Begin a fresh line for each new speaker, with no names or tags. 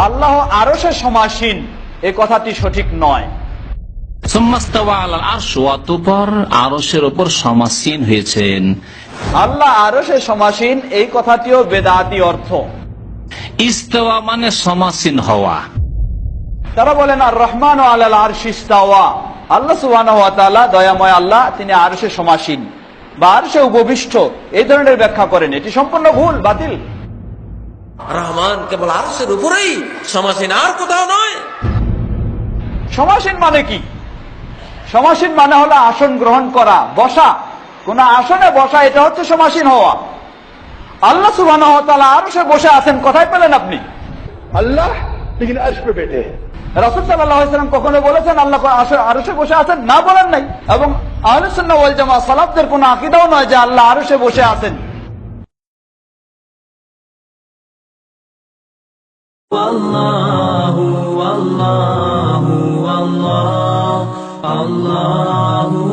আল্লাহ আরশে সমাসীন, এই কথাটি সঠিক নয়।
অতঃপর আরশের উপর সমাসীন হয়েছেন।
আল্লাহ আরশে সমাসীন, এই কথাটিও বেদাতি অর্থ।
ইস্তাওয়া মানে সমাসীন হওয়া।
তারা বলেন আর রহমান আলাল আরশি ইস্তাওয়া, আল্লাহ সুবহানাহু ওয়া তাআলা দয়াময় আল্লাহ, তিনি আরশে সমাসীন বা আরশে উপবিষ্ট, এই ধরনের ব্যাখ্যা করেন। এটি সম্পূর্ণ ভুল, বাতিল।
রহমান কেবল আরশের উপরেই সমাসীন, আর কোথাও নয়।
সমাসীন মানে কি? সমাসীন মানে হলো আসন গ্রহণ করা, বসা, কোন আসনে বসা, এটা হচ্ছে সমাসীন হওয়া। আল্লাহ সুবহানাহু ওয়া তাআলা আরশে বসে আছেন, কোথায় পেলেন আপনি?
अल्लाह लेकिन अर्श पे बैठे हैं।
রাসূল সাল্লাল্লাহু আলাইহি ওয়াসাল্লাম কখনো বলেছেন আল্লাহ আরশে বসে আছেন? না, বলেন নাই। এবং আহলে সুন্নাহ ওয়াল জামাত সালাফদের কোনো আকীদাও নয় যে আল্লাহ আরশে বসে আছেন।
আল্লাহু আল্লাহু আল্লাহ আল্লাহু